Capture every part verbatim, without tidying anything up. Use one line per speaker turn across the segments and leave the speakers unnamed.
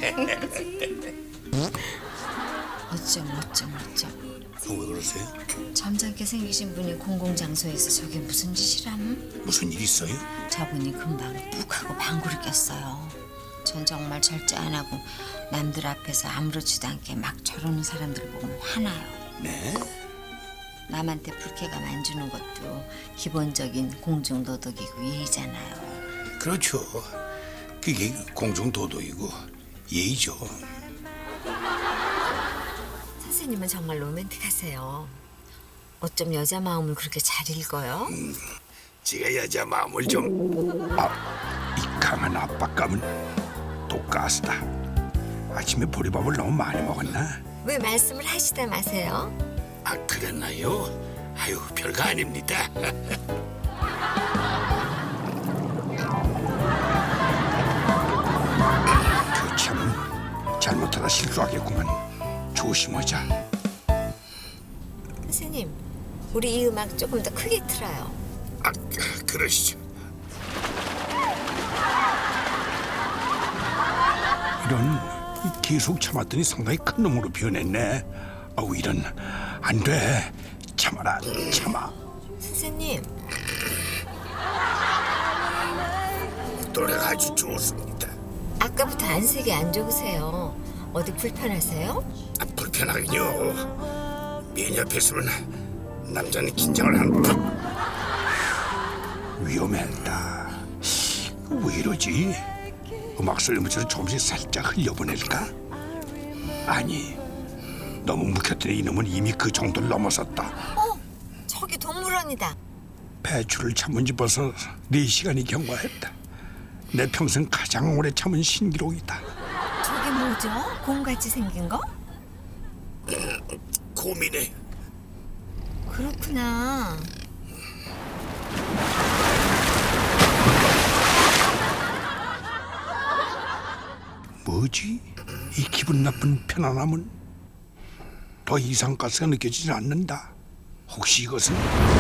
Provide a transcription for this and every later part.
어쩜 어쩜 어쩜.
왜 그러세요?
점잖게 생기신 분이 공공장소에서 저게 무슨 짓이람?
무슨 일 있어요?
저분이 금방 푹 하고 방구를 꼈어요. 전 정말 절제 안 하고 남들 앞에서 아무렇지도 않게 막 저러는 사람들 보면 화나요.
네?
남한테 불쾌감 안 주는 것도 기본적인 공중도덕이고 예의잖아요.
그렇죠. 그게 공중도덕이고 예의죠.
선생님은 정말 로맨틱하세요. 어쩜 여자 마음을 그렇게 잘 읽어요?
음, 제가 여자 마음을 좀... 아, 이 강한 압박감은 또 가스다. 아침에 보리밥을 너무 많이 먹었나?
왜 말씀을 하시다 마세요?
아, 그랬나요? 아유, 별거 아닙니다. 그 참 잘못하다 실수하겠구만. 조심하자.
선생님, 우리 이 음악 조금 더 크게 틀어요.
아, 그러시죠. 이런, 계속 참았더니 상당히 큰 놈으로 변했네. 아우, 이런, 안 돼. 참아라, 참아.
선생님,
노래가 아주 좋습니다.
아까부터 안색이 안 좋으세요. 어디 불편하세요?
아, 불편하긴요. 미인 옆에 있으면 남자는 긴장을 한다. 위험했다. 왜 이러지? 음악 설문처럼 조금씩 살짝 흘려보낼까? 아니, 너무 묵혔더니 이놈은 이미 그 정도를 넘어섰다.
어, 저기 동물원이다.
배추를 참은 지 벌써 네 시간이 경과했다. 내 평생 가장 오래 참은 신기록이다.
저게 뭐죠? 곰같이 생긴 거?
고민해.
그렇구나.
뭐지? 이 기분 나쁜 편안함은 더 이상 가스가 느껴지지 않는다. 혹시 이것은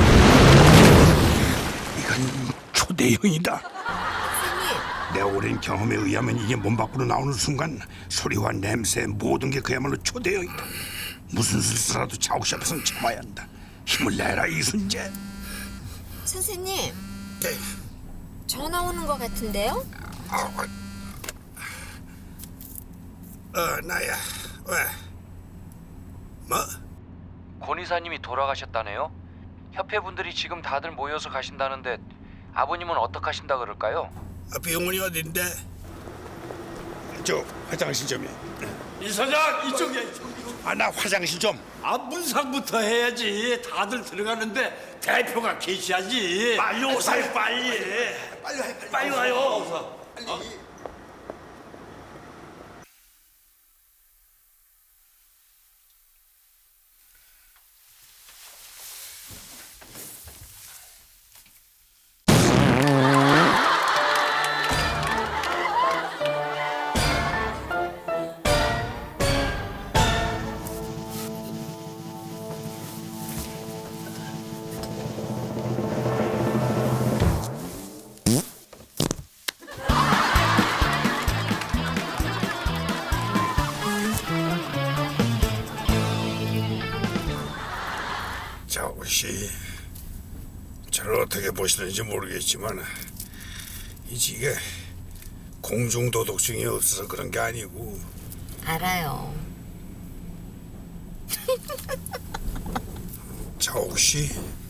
이건 초대형이다.
선생님,
내 오랜 경험에 의하면 이게 몸 밖으로 나오는 순간 소리와 냄새 모든 게 그야말로 초대형이다. 무슨 수술라도 자욱시 앞에서는 참아야 한다. 힘을 내라 이순재.
선생님,
네.
전화 오는 것 같은데요?
어, 어, 나야. 왜? 뭐?
권 이사님이 돌아가셨다네요. 협회 분들이 지금 다들 모여서 가신다는데 아버님은 어떡하신다 그럴까요?
아, 병원이 어딘데? 저 화장실 좀요.
이 사장 이쪽이야 이쪽.
아, 나 화장실 좀.
아 문상부터 해야지. 다들 들어가는데 대표가 계셔야지.
빨리 오세요, 빨리.
빨리 와요. 빨리, 빨리 와요. 어서. 빨리.
자, 혹시 저를 어떻게 보시는지 모르겠지만 이 지게 공중도덕증이 없어서 그런 게 아니고
알아요.
자, 혹시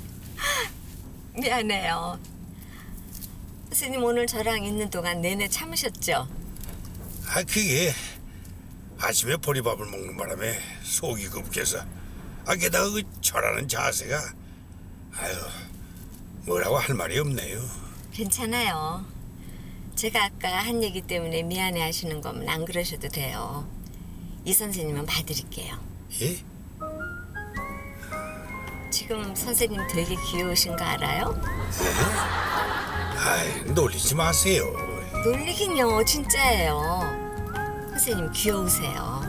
미안해요. 선생님 오늘 저랑 있는 동안 내내 참으셨죠?
아, 그게 아침에 보리밥을 먹는 바람에 속이 급해서 아, 게다가 그 절하는 자세가 아유, 뭐라고 할 말이 없네요.
괜찮아요. 제가 아까 한 얘기 때문에 미안해 하시는 거면 안 그러셔도 돼요. 이 선생님은 봐드릴게요.
예?
지금 선생님 되게 귀여우신 거 알아요?
아이, 놀리지 마세요.
놀리긴요, 진짜예요. 선생님 귀여우세요.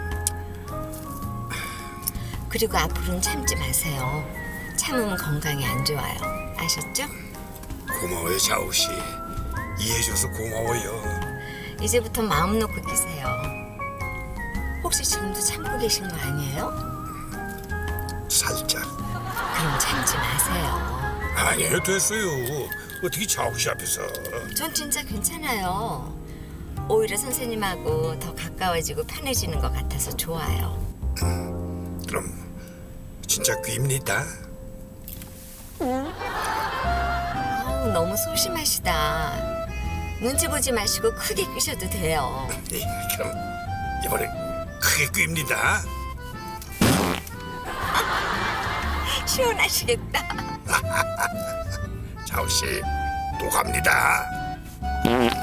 그리고 앞으로는 참지 마세요. 참으면 건강에 안 좋아요. 아셨죠?
고마워요, 자우 씨. 이해해줘서 고마워요.
이제부터 마음 놓고 끼세요. 혹시 지금도 참고 계신 거 아니에요?
살짝.
그럼 참지 마세요.
아니에요, 됐어요. 어떻게 자옥 씨 앞에서.
전 진짜 괜찮아요. 오히려 선생님하고 더 가까워지고 편해지는 것 같아서 좋아요.
그럼 진짜 귀입니다.
아우, 너무 소심하시다. 눈치 보지 마시고 크게 끄셔도 돼요.
예, 그럼 이번엔 크게 귀입니다.
시원하시겠다.
자옥 씨, 또 갑니다.